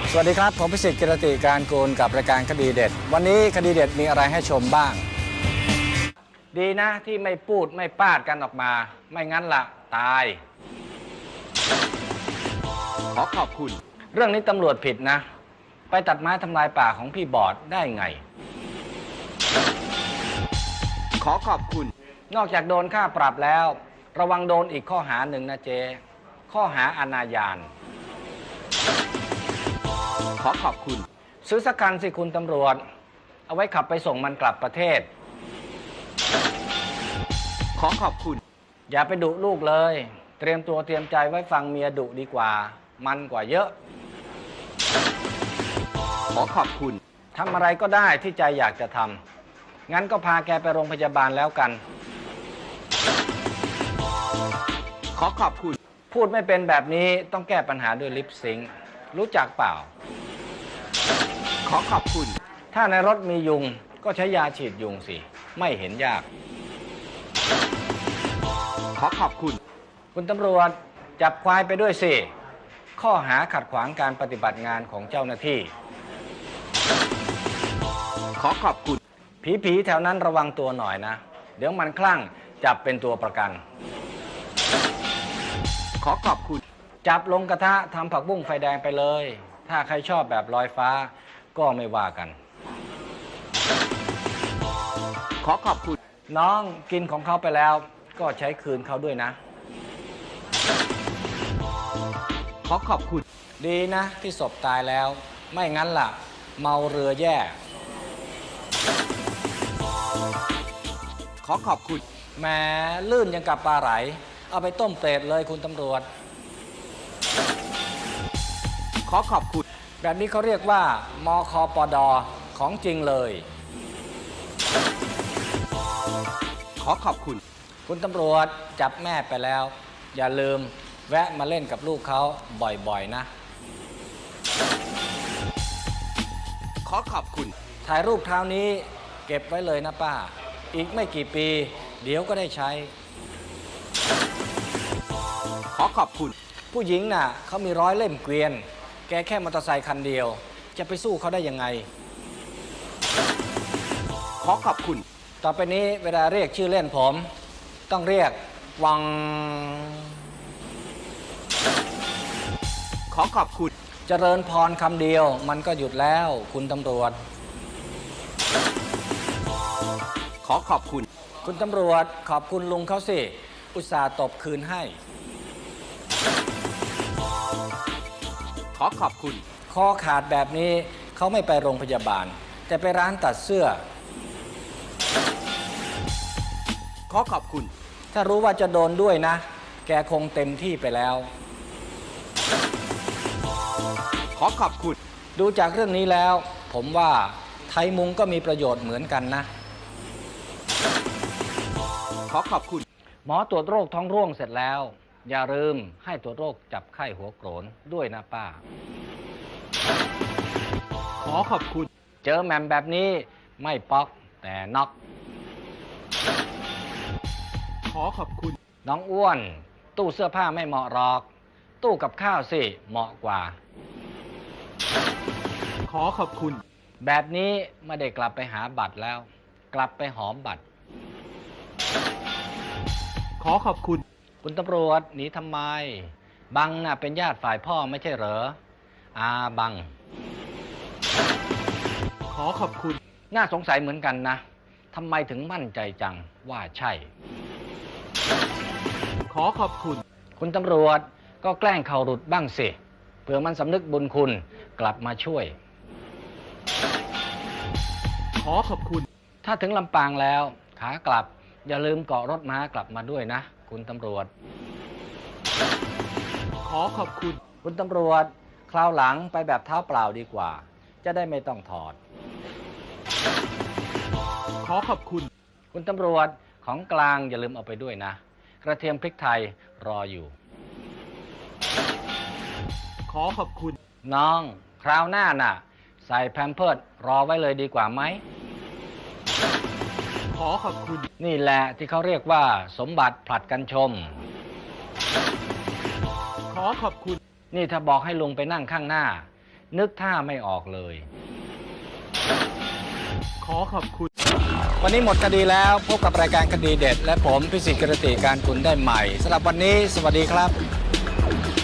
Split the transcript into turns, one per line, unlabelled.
สวัสดีครับผมพิสิทธิ์กิรติการกูลกับรายการคดีเด็ดวันนี้คดีเด็ดมีอะไรให้ชมบ้างดีนะที่ไม่พูดไม่ปาดกันออกมาไม่งั้นละตาย
ขอขอบคุณ
เรื่องนี้ตำรวจผิดนะไปตัดไม้ทำลายป่าของพี่บอดได้ไง
ขอขอบคุณ
นอกจากโดนค่าปรับแล้วระวังโดนอีกข้อหาหนึ่งนะเจข้อหาอนาจาร
ขอขอบคุณ
ซื้อสักคันสิคุณตำรวจเอาไว้ขับไปส่งมันกลับประเทศ
ขอขอบคุณ
อย่าไปดุลูกเลยเตรียมตัวเตรียมใจไว้ฟังเมียดุดีกว่ามันกว่าเยอะ
ขอขอบคุณ
ทำอะไรก็ได้ที่ใจอยากจะทำงั้นก็พาแกไปโรงพยาบาลแล้วกัน
ขอขอบคุณ
พูดไม่เป็นแบบนี้ต้องแก้ปัญหาด้วยลิปซิงค์รู้จักเปล่า
ขอขอบคุณ
ถ้าในรถมียุงก็ใช้ยาฉีดยุงสิไม่เห็นยาก
ขอขอบคุณ
คุณตำรวจจับควายไปด้วยสิข้อหาขัดขวางการปฏิบัติงานของเจ้าหน้าที่
ขอขอบคุณ
ผีแถวนั้นระวังตัวหน่อยนะเดี๋ยวมันคลั่งจับเป็นตัวประกัน
ขอขอบคุณ
จับลงกระทะทำผักบุ้งไฟแดงไปเลยถ้าใครชอบแบบลอยฟ้าก็ไม่ว่ากัน
ขอขอบคุณ
น้องกินของเขาไปแล้วก็ใช้คืนเขาด้วยนะ
ขอขอบคุณ
ดีนะที่ศพตายแล้วไม่งั้นล่ะเมาเรือแย่
ขอขอบคุณ
แหมลื่นยังกับปลาไหลเอาไปต้มเปรตเลยคุณตำรวจ
ขอขอบคุณ
แบบนี้เขาเรียกว่ามคปด.ของจริงเลย
ขอขอบคุณ
คุณตำรวจจับแม่ไปแล้วอย่าลืมแวะมาเล่นกับลูกเขาบ่อยๆนะ
ขอขอบคุณ
ถ่ายรูปคราวนี้เก็บไว้เลยนะป้าอีกไม่กี่ปีเดี๋ยวก็ได้ใช้
ขอขอบคุณ
ผู้หญิงน่ะเขามี100 เล่มเกวียนแกแค่มอเตอร์ไซค์คันเดียวจะไปสู้เขาได้ยังไง
ขอขอบคุณ
ต่อไปนี้เวลาเรียกชื่อเล่นผมต้องเรียกวัง
ขอขอบคุณ
เจริญพรคำเดียวมันก็หยุดแล้วคุณตำรวจ
ขอขอบคุณ
คุณตำรวจขอบคุณลุงเขาสิอุตส่าห์ตบคืนให้
ขอขอบคุณ
คอขาดแบบนี้เขาไม่ไปโรงพยาบาลแต่ไปร้านตัดเสื้อ
ขอขอบคุณ
ถ้ารู้ว่าจะโดนด้วยนะแกคงเต็มที่ไปแล้ว
ขอขอบคุณ
ดูจากเรื่องนี้แล้วผมว่าไทยมุงก็มีประโยชน์เหมือนกันนะ
ขอขอบคุณ
หมอตรวจโรคท้องร่วงเสร็จแล้วอย่าลืมให้ตรวจโรคจับไข้หัวโกรนด้วยนะป้า
ขอขอบคุณ
เจอแหม่มแบบนี้ไม่ป๊อกแต่น็อก
ขอขอบคุณ
น้องอ้วนตู้เสื้อผ้าไม่เหมาะหรอกตู้กับข้าวสิเหมาะกว่า
ขอขอบคุณ
แบบนี้ไม่ได้กลับไปหาบัตรแล้วกลับไปหอมบัตร
ขอขอบคุณ
คุณตำรวจหนีทำไมบังน่ะเป็นญาติฝ่ายพ่อไม่ใช่เหรอบัง
ขอขอบคุณ
น่าสงสัยเหมือนกันนะทำไมถึงมั่นใจจังว่าใช่
ขอขอบคุณ
คุณตำรวจก็แกล้งเข่าหลุดบ้างสิเผื่อมันสำนึกบุญคุณกลับมาช่วย
ขอขอบคุณ
ถ้าถึงลำปางแล้วขากลับอย่าลืมเกาะรถม้ากลับมาด้วยนะคุณตำรวจ
ขอขอบคุณ
คุณตำรวจคราวหลังไปแบบเท้าเปล่าดีกว่าจะได้ไม่ต้องถอด
ขอขอบคุณ
คุณตำรวจของกลางอย่าลืมเอาไปด้วยนะกระเทียมพริกไทยรออยู่
ขอขอบคุณ
น้องคราวหน้าน่ะใส่แพมเพิร์สรอไว้เลยดีกว่าไหม
ขอขอบคุณ
นี่แหละที่เขาเรียกว่าสมบัติผลัดกันชม
ขอขอบคุณ
นี่ถ้าบอกให้ลุงไปนั่งข้างหน้านึกท่าไม่ออกเลย
ขอขอบคุณ
วันนี้หมดคดีแล้วพบกับรายการคดีเด็ด และผมพิสิทธิ์กิรติการกุลได้ใหม่สำหรับวันนี้สวัสดีครับ